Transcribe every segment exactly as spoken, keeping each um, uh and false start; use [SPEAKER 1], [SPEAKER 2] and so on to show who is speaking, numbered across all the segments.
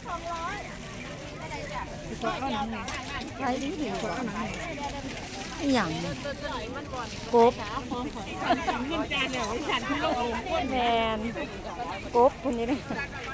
[SPEAKER 1] ใช้ดีดีกว่าอย่างกบแมนกบคนนี้เลย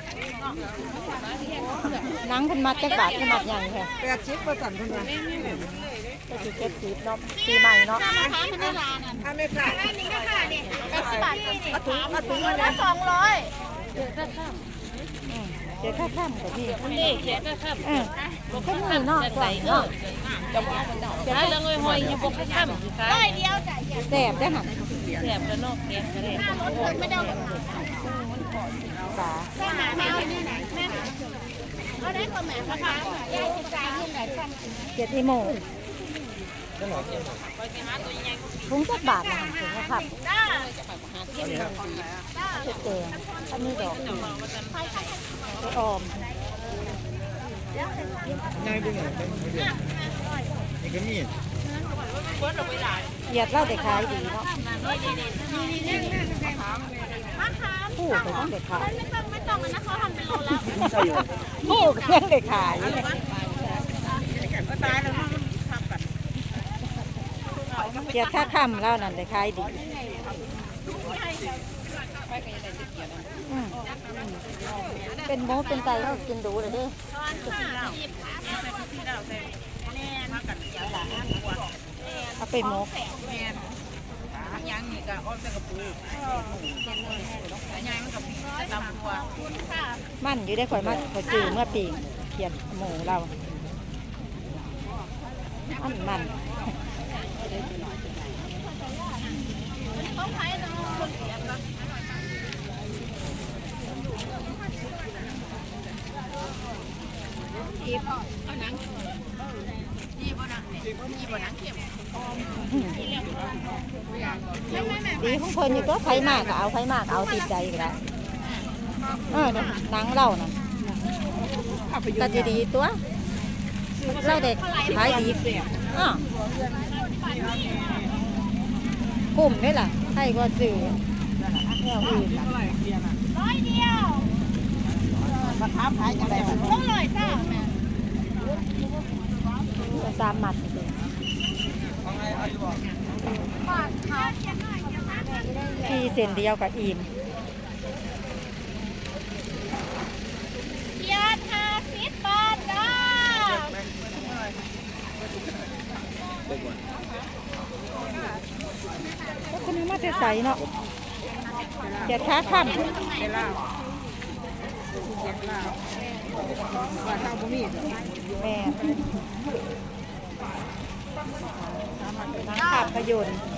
[SPEAKER 1] นังคนมาจักบาทคนมาอย่างแค่แปดชิปประสันคนมาก็คือเจ็ดสิบเนาะปีใหม่เนาะถ้าไม่ขาดอันนี้ก็ขาดเนี่ยแปดสิบบาทมาถุงมาถุงละสองร้อยเจ็ดข้ามเจ็ดข้ามกับพี่นี่เจ็ดข้ามเออก็มือเนาะใส่เนาะจะว่ามันดอกจะเรื่องหอยอยู่บนข้ามได้เดียวแสบได้หันแสบแล้วนอกแกงกระเด็นไม่ได้ปลาแม่แม่เขาได้คนแม่นะคะยายจ่ายเงินไหนเจ็ดอีโมถุงสักบาทนะถุงนะครับเจ็ดเตียงอันนี้ดอกไปออมง่ายด้วยไงนี่ก็มีเหยียดเล่าเด็กขายดีเนาะผู้ไปต้องเด็กขายไม่ต้องไม่ต้องนะเขาทำเป็นโลแล้วผู้เพื่อนเด็กขายเกียร์ท่าค่ำแล้วนั่นเด็กขายดีเป็นโม้เป็นไก่ก็กินดูเลยดิเอาไปโม้ยังนี่ก็อ้อมเป็นกระปูยังมันกับตำตัวมันอยู่ได้ข่อยมาข่อยซื้อเมื่อปีเขียนหมูเราอันมันดีของคนอยู่ก็ไฟมากเอาไฟมากเอาติดใจกันแล้วเออเนี่ยหนังเราน่ะตัดดีๆตัวเราเด็กขายดีอ่ะกลุ่มนี่แหละให้ก็ซื้อแนวอื่นร้อยเดียวราคาขายจะได้เท่าไหร่จ้าสามหมัดพี่เส้นเดียวกับอิ่มยาทาสิบบาทจ้าก็คนนี้มาจะใส่เนาะเจ็ดขาขั้นแม่น้ำขาบพยนต์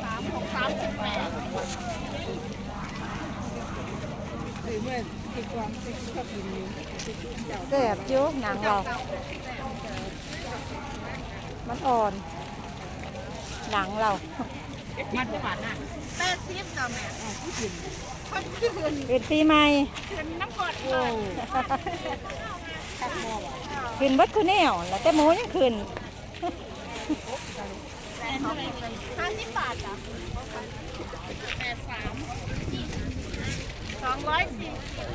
[SPEAKER 1] แซ่บจุ๊บหนังเรามันอ่อนหนังเรามันจะหวานน่ะแปดสิบจ้าแม่เป็นปีใหม่น้ำกดเลยขึ้นบัดคือแนวแล้วแต่โมยังขึ้นห้าสิบบาทจ้ะแปดสามสองร้อยสิบ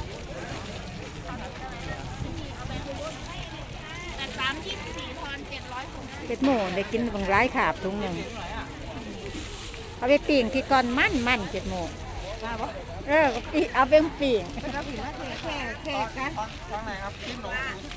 [SPEAKER 1] แปดสามยี่สิบสี่ทอนเจ็ดร้อยเป็ดหมูได้กินบางร้ายขาบถุงหนึ่งเอาไปปิ่งที่ก่อนมั่นมั่นเป็ดหมูเออเอาไปปิ่งแค่แค่แค่กัน